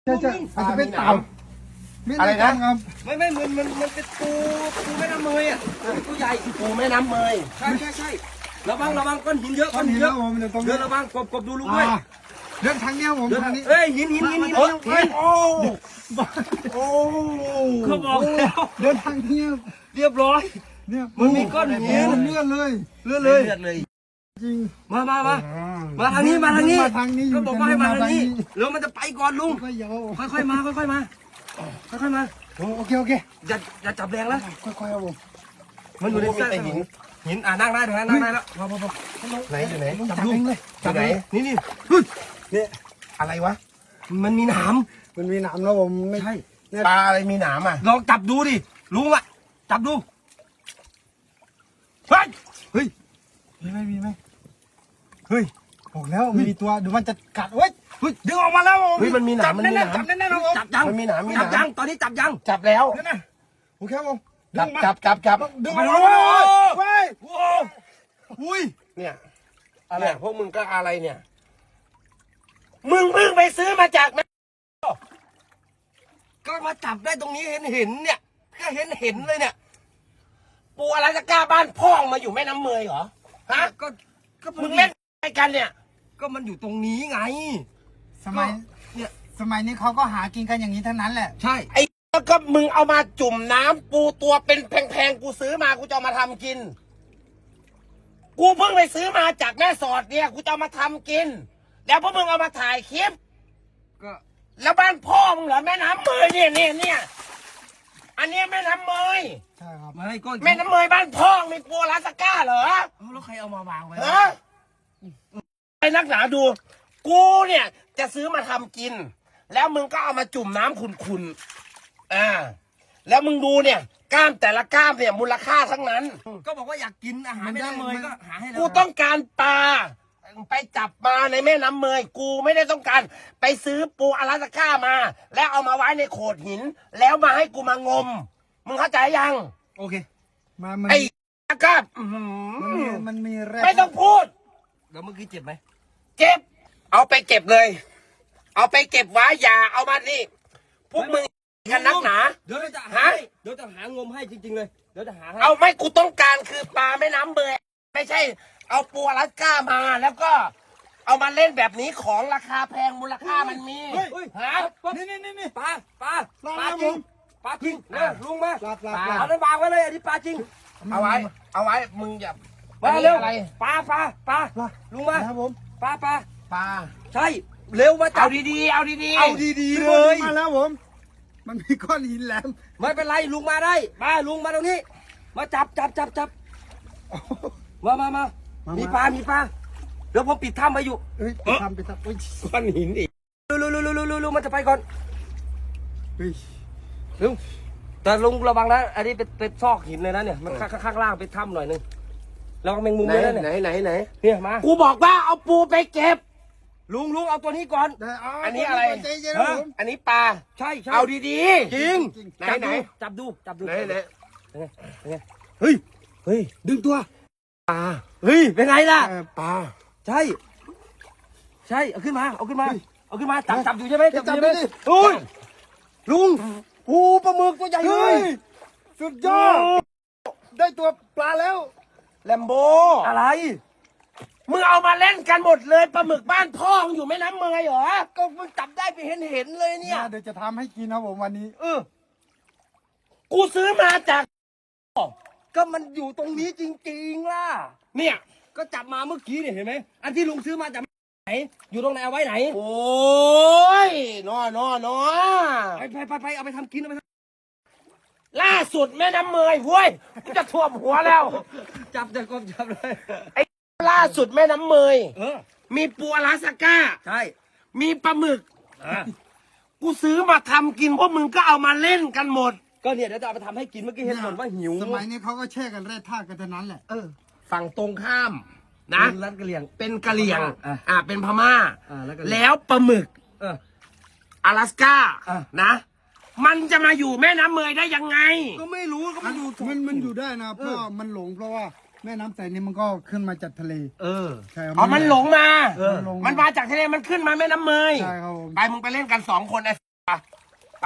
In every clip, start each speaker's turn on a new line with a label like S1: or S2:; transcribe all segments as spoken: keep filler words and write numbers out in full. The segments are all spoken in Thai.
S1: ใช่ใช่อาจจะเป็นเต่า
S2: อะไรนะ
S3: ไม่ไม่มันมันมันเป็นปูปูแม่น้ำเมยอ่ะตัวใหญ่
S2: ปูแม่น้ำเมย
S3: ใช่ใช่ใช่ระวังระวังก้อนหินเยอะก้อนหินเยอะเดินระวังกบกบดูลูกด้วย
S1: เดินทางเนี้ยผมทางนี้
S3: เอ้ยหินหินหินหินโอ้โอ้โอ้เขาบอกแล้ว
S1: เดินทางเนี้ย
S3: เรียบร้อย
S1: เนี่ย
S3: มันมีก้อนหิน
S1: เลื่อนเลย
S3: เลื่อนเลยเลื่อนเลย
S1: จริง
S3: มามามามาทางนี้มาทางนี้
S1: มาทางนี้
S3: ก็บอกว่าให้มาทางนี้แล้วมันจะไปก่อนลุง
S1: ค่อยๆเยา
S3: ค่อยๆมาค่อยๆมาค่อยๆมา
S1: โอเคโอเค
S3: อย่าอย่าจับแรงนะ
S1: ค่อยๆเอาผม
S3: มันอยู่ในเส้นหินหินอ่านั่งได้นั่งได้แล้วพอพอพอ
S2: ไหนอยู่ไหน
S1: จับเองเลย
S3: จับไหนนี่นี่
S1: เนี่ย
S2: อะไรวะ
S3: มันมีหนาม
S1: มันมีหนามแล้วผมไม่
S3: ใช่
S2: ปลาอะไรมีหนามอ่ะ
S3: ลองจับดูดิลุงอ่ะจับดูเฮ้ยเฮ้ย
S1: มีไหมมีไหมเฮ้ยบอกแล้วมีตัวเดี๋ยวมันจะกัดเว้ย
S3: เฮ้ยดึงออกมาแล้ว
S2: เฮ้ยมันมีหนามมันมีหนาม
S1: จับแน่ๆนะผม
S3: จับยัง
S2: มันมีหนามมีห
S3: จั
S2: นา
S3: บยัง
S2: ม
S3: ตอนนี้จับยัง
S2: จับแล้ว
S1: เนี่ยนะโอเคผม
S2: จับจับจับจับ
S1: ดึง
S3: ไป
S1: มา
S3: โอ้
S1: เลย
S3: โห
S1: เว้ย
S3: โอ้อุ้ย
S2: เนี่ยอะไรพวกมึงก็อะไรเนี่ย มึงเพิ่งไปซื้อมาจากแม่
S3: ก็มาจับได้ตรงนี้เห็นเห็นเนี่ยก็เห็นเห็นเลยเนี่ย
S2: ปูอะไรจะกล้าบ้านพ่องมาอยู่แม่น้ำเมยเหรอฮะ
S3: ก็ก็
S2: มึงเล่นอะไรกันเนี่ย
S3: ก็มันอยู่ตรงนี้ไง
S1: สมัย
S3: เนี่ย
S1: สมัยนี้เขาก็หากินกันอย่างนี้ทั้งนั้นแหละ
S3: ใช่
S2: ไอ้แล้วก็มึงเอามาจุ่มน้ำปูตัวเป็นแพงๆกูซื้อมากูจะเอามาทำกิน กูเพิ่งไปซื้อมาจากแม่สอดเนี่ยกูจะเอามาทำกิน แล้วพวกมึงเอามาถ่ายคลิป
S3: ก็
S2: แล้วบ้านพ่อมึงเหรอแม่น้ำเมยเนี่ยเนี่ยเนี่ยอันเนี้ยแม่น้ำเมย
S1: ใช่ครับ
S3: ไม่ก็
S2: แม่น้ำเมยบ้านพ่อมีปูอลาสก้าเหรอ
S3: เอาแล้วใครเอามาวางไว้
S2: ฮะไอ้นักหนาดู กูเนี่ยจะซื้อมาทำกิน แล้วมึงก็เอามาจุ่มน้ำขุนๆอ่าแล้วมึงดูเนี่ยกล้ามแต่ละกล้ามเนี่ยมูลค่าทั้งนั้น
S3: ก็บอกว่าอยากกินอาหารแม่น้ำเมยก็หาให้แล้ว
S2: กูต้องการปลาไปจับมาในแม่น้ำเมย กูไม่ได้ต้องการไปซื้อปูอลาสก้ามา แล้วเอามาไว้ในโขดหิน แล้วมาให้กูมางม มึงเข้าใจยัง
S3: โอเค
S1: มามัน
S2: ไอ้ก้าอื้อหื
S1: มันมี
S2: อ
S1: มันมีแร่
S2: ไม่ต้องพูด
S3: แล้วเมื่อกี้เจ็บไหม
S2: เก็บ เอาไปเก็บเลย เอาไปเก็บไว้อย่าเอามานี่ พวกมึงกันนักหนา
S3: เดี๋ยวเราจะหา
S2: ฮะ
S3: ให้เดี๋ยวจะหางมให้จริงๆเลยเดี๋ยวจะหาให้
S2: เอาไม่กูต้องการคือปลาแม่น้ำเบยไม่ใช่ เอาปูอลาสก้ามาแล้วก็ เอามาเล่นแบบนี้ของราคาแพงมูลค่ามันมี
S3: เฮ้ยเฮ้ย
S2: ฮะ
S1: นี่นี่นี่นี่
S3: ปลาปลา
S1: ปลา
S3: ปลา
S1: ครับ
S3: จริง
S1: ผม
S3: ปลาจริงนะลุงมา
S1: ปลาปลา
S2: ป
S1: ป
S2: ลา
S1: ลา
S3: เอานั้นวางไว้เลยอันนี้ปลาจริง
S2: เอาไว้ เอาไว้มึงอย่า
S3: มา
S2: อันนี้
S3: เร็ว
S2: อะไร
S3: ปลาปลาปลา
S1: ปลา
S3: ลุงมา
S1: ครับผม
S3: ปลาปลา
S2: ปลา
S3: ใช่เร็วมาจั
S2: เอา
S3: บ
S2: ดีๆเอาดีๆ
S3: เอาดีๆเลย
S1: มาแล้วผม มันมีก้อนหินแหลม
S3: ไม่เป็นไรลุงมาได้มาลุงมาตรงนี้ มาจับจับจับจับมามามามีปลามีปลาเดี๋ยวผมปิดถ้ำไว้อยู่
S1: เฮ้ยไปทำไปทำเฮ้ย
S2: ก้อนหินอีก
S3: ลุลุลุลุลุลุลุมันจะไปก่อน
S1: เฮ้ย
S3: ลุงแต่ลุงระวังนะอันนี้เป็นเป็นซอกหินเลยนะเนี่ยมันข้างข้างล่างเป็นถ้ำหน่อยนึงระวังแมงมุม
S2: ไหน
S3: เลยนะ
S2: ไหน
S3: เนี่ย
S2: ไหนไหน
S3: เนี่ยมา
S2: กูบอกว่าเอาปูไปเก็บ
S3: ลุงลุงเอาตัวนี้ก่อน
S1: ได้
S2: อันนี้อะไร
S1: ใจเย็นนะผม
S2: อันนี้ปลา
S3: ใช่ใช่
S2: เอาดี
S3: จริง
S2: ๆไหน
S3: จับ
S2: ไหน
S3: ดูจับดูจับดู
S2: ไหนไหน
S3: เป็นไงเฮ้ยเฮ้ยดึงตัว
S2: ปลา
S3: เฮ้ยเป็นไงล่ะ
S1: เออ
S2: ปลา
S3: ใช่ ใช่เอาขึ้นมาเอาขึ้นมาเอาขึ้นมาจับจับอยู่ใช่ไหม
S1: จับ
S3: อยู่ใช่ไหม
S1: ดิ
S3: โอ้ยลุงโอ้ปลาหมึกตัวใหญ่เล
S1: เฮ้
S3: ย
S1: ยสุดยอด ได้ตัวปลาแล้ว
S2: แลมโบ
S3: อะไร
S2: มึงเอามาเล่นกันหมดเลยปลาหมึกบ้านพ่อมึงอยู่แม่น้ำเมยเหรอ
S3: ก็มึงจับได้ไปเห็นเห็นๆเลยเนี่ย
S1: เดี๋ยวจะทำให้กินนะผมวันนี้
S3: เออ
S2: กูซื้อมาจาก
S3: ก็มันอยู่ตรงนี้จริงๆล่ะ
S2: เนี่ย
S3: ก็จับมาเมื่อกี้เนี่ยเห็นไหมอันที่ลุงซื้อมาจากไหนอยู่ตรงไหนเอาไว้ไหน
S2: โอ้ยนอนอนอ
S3: ไปไปไปไปเอาไปทำกินเอาไปท
S2: ล่าสุดแม่น้ำเมยเว้ยกูจะท่วมหัวแล้ว
S3: ำจับจับกบจับเลย
S2: ล่าสุดแม่น้ำเมย
S3: เออ
S2: มีปูอลาสก้า
S3: ใช่
S2: มีปลาหมึก
S3: อ่ะ
S2: กูซื้อมาทำกินพวกมึงก็เอามาเล่นกันหมด
S3: ก็เนี่ยเดี๋ยวจะเอาไปทำให้กินเมื่อกี้เห็นบ่นว่าหิว
S1: สมัยนี้เขาก็แช่กันแร่ธาตุกันเท่านั้นแหละ
S3: เออ
S2: ฝั่งตรงข้ามนะ
S3: รัดกระเหลี่ยง
S2: เป็นกะเหรี่ยง
S3: อ่ะ
S2: อ่าเป็นพม่า
S3: อ่าแล้วกะเหรี่ยง
S2: แล้วปลาหมึก
S3: เออ
S2: อลาสก้า
S3: อ่ะ
S2: นะ มันจะมาอยู่แม่น้ำเมยได้ยังไง
S3: ก็ไม่รู้ก็มันอยู่
S1: มันมันอยู่ได้นะ เพราะว่ามันหลงเพราะว่าแม่น้ำใสนี่มันก็ขึ้นมาจากทะเล
S3: เออ
S1: ใช่ครับ
S2: อ๋อ มันหลงมา
S3: เออ
S1: หลง
S2: มันมาจากทะเลมันขึ้นมาแม่น้ำเมย
S1: ใช่ครับผม
S2: ไปมึงไปเล่นกันสองคนไอ้ไปไป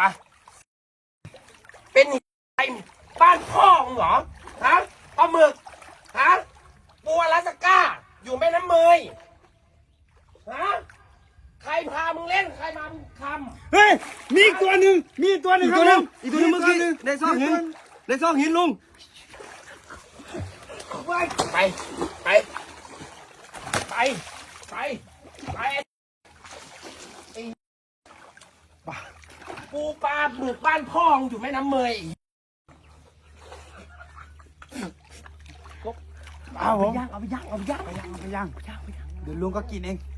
S2: เป็นไอ้บ้านพ่อมึงเหรอฮะปลาหมึกฮะปูอลาสก้าอยู่แม่น้ำเมยฮะใครพามึงเล่นใครมามึงทำ
S1: เฮ้ยมีอีกตัวหนึ่งมีอีกตัวหนึ่ง
S3: อีก
S1: ค
S3: ตั
S1: รั
S3: ว
S1: บ
S3: หนึงอีกตัวหนึงเมื่อกี้ในซอกหินในซอกหินลุง
S2: ไปไปไปไปไปไปไอ้ปูปลาหมึกบ้านพ่อมึงอยู่แม่น้ำเมย
S1: เอาผม
S3: ย่างเอาไปย่างเอาไปย่าง
S1: ไปย่างเอาไปย่างเดี๋ยวลุงก็กินเอง